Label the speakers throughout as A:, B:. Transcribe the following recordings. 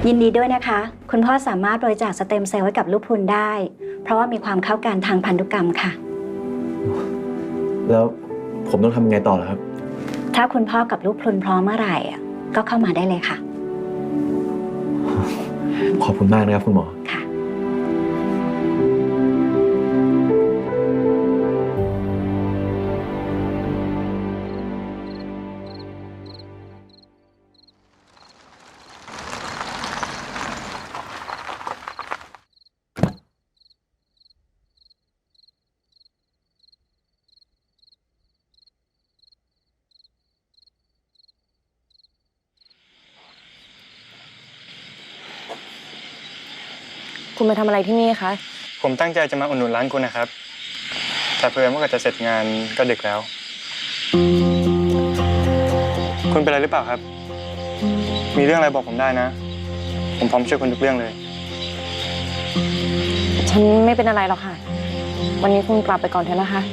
A: ยินดีด้วยนะคะคุณพ่อสามารถบริจาคสเต็มเซลล์ให้กับลูกพรุนได้เพราะว่ามีความเข้ากันทางพันธุกรรมค่ะ
B: แล้วผมต้องทำยังไงต่อล่ะครับ
A: ถ้าคุณพ่อกับลูกพรุนพร้อมเมื่อไหร่ก็เข้ามาได้เลยค่ะ
B: ขอบคุณมากนะครับคุณหมอ
A: ค่ะ
C: คุณมาทำอะไรที่นี่คะ
D: ผมตั้งใจจะมาอุดหนุนร้านคุณนะครับแต่เพื่อนว่าจะเสร็จงานก็ดึกแล้วคุณเป็นอะไรหรือเปล่าครับมีเรื่องอะไรบอกผมได้นะผมพร้อมช่วยคุณทุกเรื่องเลย
C: ฉันไม่เป็นอะไรหรอกค่ะวันนี้คุณกลับไปก่อนเถอะนะคะ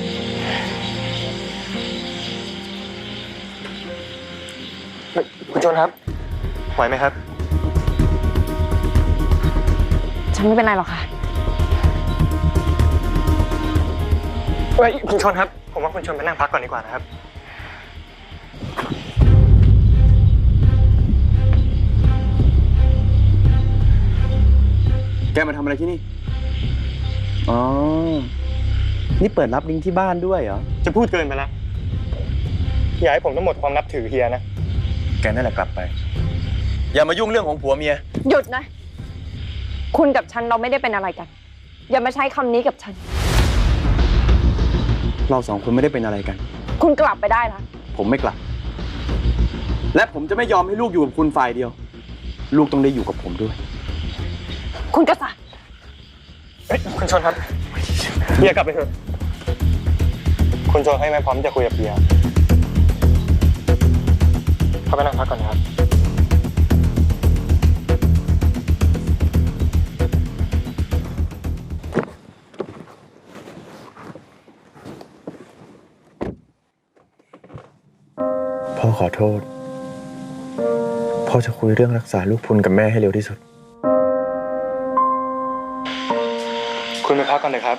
D: คุณโจนครับไหวไหมครับ
C: ฉันไม่เป็นไรหรอกค่ะ
D: คุณชนครับผมว่าคุณชนไปนั่งพักก่อนดีกว่านะครับ
E: แกมาทำอะไรที่นี่อ๋อนี่เปิดรับลิงก์ที่บ้านด้วยเหรอ
D: จะพูดเกินไปแล้วอย่าให้ผมต้องหมดความนับถือเฮียนะ
E: แกนั่นแหละกลับไปอย่ามายุ่งเรื่องของผัวเมีย
C: หยุดนะคุณกับฉันเราไม่ได้เป็นอะไรกันอย่ามาใช้คำนี้กับฉัน
E: เราสองคนไม่ได้เป็นอะไรกัน
C: คุณกลับไปได้ละ
E: ผมไม่กลับและผมจะไม่ยอมให้ลูกอยู่กับคุณฝ่ายเดียวลูกต้องได้อยู่กับผมด้วย
C: คุณกษัตริย์
D: คุณชนครับเฮียกลับไปเถอะคุณชนให้ไม่พร้อมจะคุยกับเฮียเข้าไปนั่งพักก่อนนะครับ
B: พ่อขอโทษพ่อจะคุยเรื่องรักษาลูกพรุนกับแม่ให้เร็วที่สุด
D: คุณไปพักก่อนเลยครับ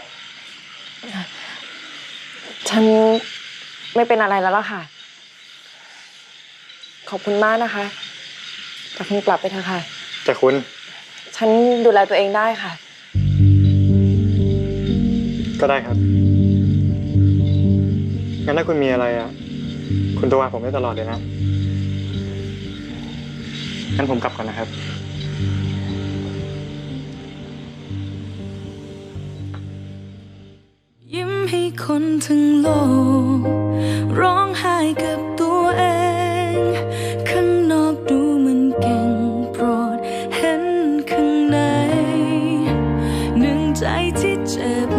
C: ฉันไม่เป็นอะไรแล้วล่ะค่ะขอบคุณมากนะคะแต่คุณกลับไปเถอะค่ะ
D: แต่คุณ
C: ฉันดูแลตัวเองได้ค่ะ
D: ก็ได้ครับงั้นถ้าคุณมีอะไรคุณโทรหาผมได้ตลอดเลยนะงั้นผมกลับก่อนนะครับ
F: ยิ้มให้คนทั้งโลกร้องไห้กับตัวเองข้างนอกดูมันเก่งโปรดเห็นข้างในหนึ่งใจที่เจ็บ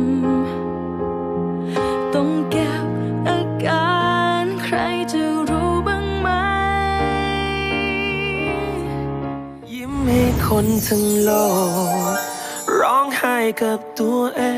F: ต้องเก็บอาการใครจะรู้บ้างไหมยิ้มให้คนทั้งโลกร้องไห้กับตัวเอง